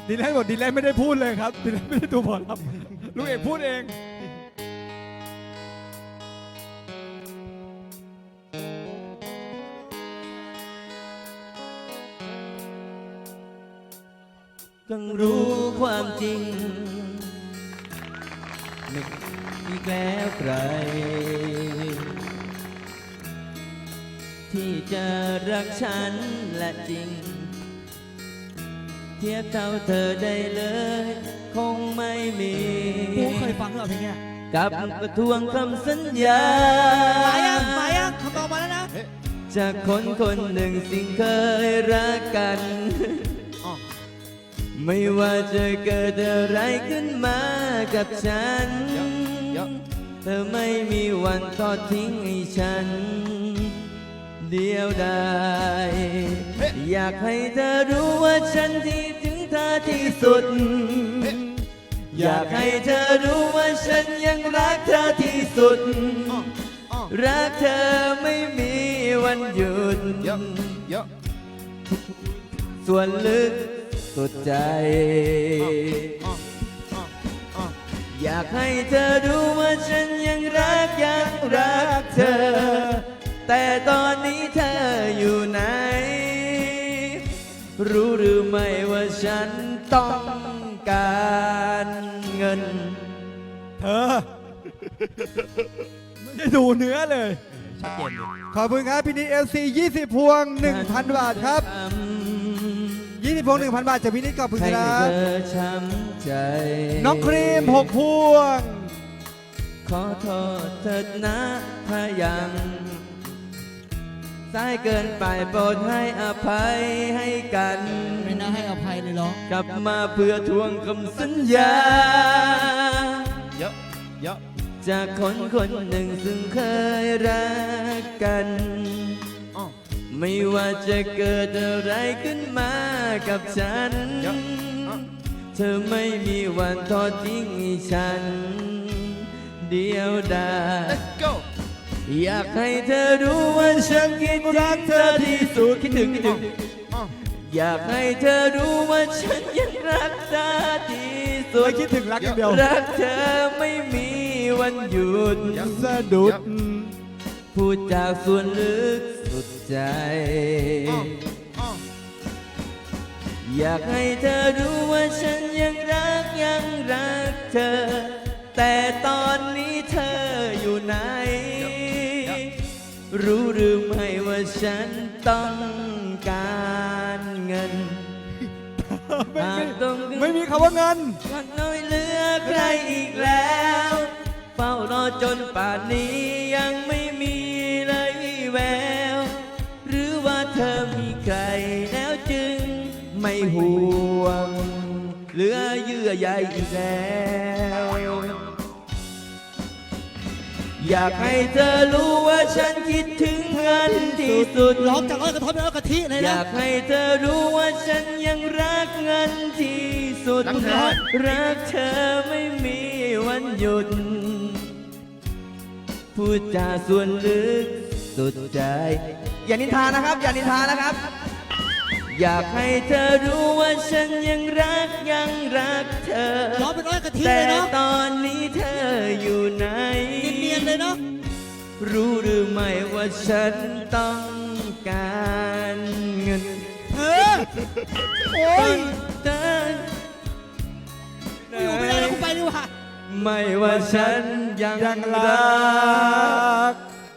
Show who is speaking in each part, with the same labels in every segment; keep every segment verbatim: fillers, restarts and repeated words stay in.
Speaker 1: ดีแลนบอกดีแลนไม่ได้พูดเลยครับดีแลนไม่ได้ดูบอลครับลูกเอกพูดเอง
Speaker 2: ต้องรู้ความจริงไม่อีกแล้วใครที่จะรักฉันและจริงเทียบเท่าเธอได้เลยคงไม่มีกูเคยฟังหรอเพลงเนี้ยกับกระทวงคำสัญญามายังมายังคำตอบมาแล้วนะจากคนคนหนึ่งสิ่งเคยรักกันไม่ว่าจะเกิดอะไรขึ้นมากับฉันเธอไม่มีวันทอดทิ้งให้ฉันเดียวดายอยากให้เธอรู้ว่าฉันที่ถึงเธอที่สุดอยากให้เธอรู้ว่าฉันยังรักเธอที่สุดรักเธอไม่มีวันหยุดส่วนลึกสุดใจอยากให้เธอรู้ว่าฉันยังรักยังรักเธอแต่ตอนนี้เธออยู่ไหนรู้หรือไม่ว่าฉันต้องการเงิน
Speaker 1: เธอไม่ได้ดูเนื้อเลยชัดเจนขอบคุณครับพี่นิดเอลซียี่สิบพวง หนึ่งพัน บาทครับยี่สิบพวง หนึ่งพัน บาทจากพี่นิดขอบคุณครับน้องครีมหกพวง
Speaker 2: ขอโทษเถิดนะถ้ายังสายเกินไปโปรดให้อภัยให้กัน
Speaker 3: ไม่น่าให้อภัยเลยหรอก
Speaker 2: ลับมาเพื่อทวงคำสัญญา
Speaker 1: เยอะเยอะ
Speaker 2: จากคนคนหนึ่งซึ่งเคยรักกันไม่ว่าจะเกิดอะไรขึ้นมากับฉันเธอไม่มีวันทอดทิ้งฉันเดียวดายอยากให้เธอรู้ว่าฉันคิดรักเธอที่สุดคิดถึงคิดถึงอยากให้เธอรู้ว่าฉันยังรักเธอที่สุด
Speaker 1: ไม่คิดถึงรักอย่างเดียว
Speaker 2: รักเธอไม่มีวันหยุด
Speaker 1: สะดุด
Speaker 2: พูดจากส่วนลึกสุดใจอยากให้เธอรู้ว่าฉันยังรักยังรักเธอแต่ตอนนี้เธออยู่ไหนรู้หรือไม่ว่าฉันต้องการเงิน
Speaker 1: ไม่มีไม่มีคำว่าเงิน
Speaker 2: วันน้อยเหลือใครอีกแล้วเฝ้ารอจนป่านนี้ยังไม่มีเลยวี่แววหรือว่าเธอมีใครแล้วจึงไม่ห่วงเหลือเยื่อใยอีกแล้วอยากให้เธอรู้ว่าฉันคิดถึงเงินที่สุด
Speaker 3: ร้องจากอ้อยกระทบแล้วกะทิเลยนะ
Speaker 2: อยากให้เธอรู้ว่าฉันยังรักเงินที่สุดรักเธอไม่มีวันหยุดพูดจาส่วนลึกสุดใจอย่านินทานะครับอย่านินทานะครับอยากให้เธอรู้ว่าฉันยังรักยังรักเธอ
Speaker 3: ร้องเป็นอ้อยกะทิเลยเนาะ
Speaker 2: แต่ตอนนี้เธออยู่ไหน
Speaker 3: เนียนๆเลยเนาะ
Speaker 2: รู้หรือไม่ว่าฉันต้องการเงิน
Speaker 3: เธอโอ้ย
Speaker 2: เธอ
Speaker 3: อยู่ไม่ได้แล้วกูไปดีกว่า
Speaker 2: ไม่ว่าฉันยัง
Speaker 1: ยังรัก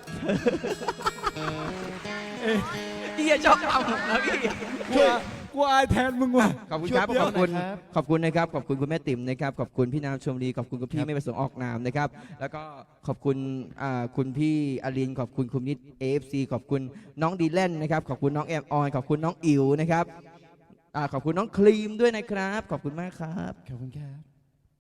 Speaker 2: พี่ชอบเอานะพี่
Speaker 1: กูกูอายแทนมึงว่ะ
Speaker 2: ขอบคุณครับขอบคุณขอบคุณนะครับขอบคุณคุณแม่ติ๋มนะครับขอบคุณพี่นามชมรีขอบคุณคุณพี่ไม่ประสงค์ออกนามนะครับแล้วก็ขอบคุณคุณพี่อลินขอบคุณคุณนิด เอ เอฟ ซี ขอบคุณน้องดีแลนนะครับขอบคุณน้องแอมออนขอบคุณน้องอิ๋วนะครับขอบคุณน้องครีมด้วยนะครับขอบคุณมากครับ
Speaker 1: ขอบคุณครับ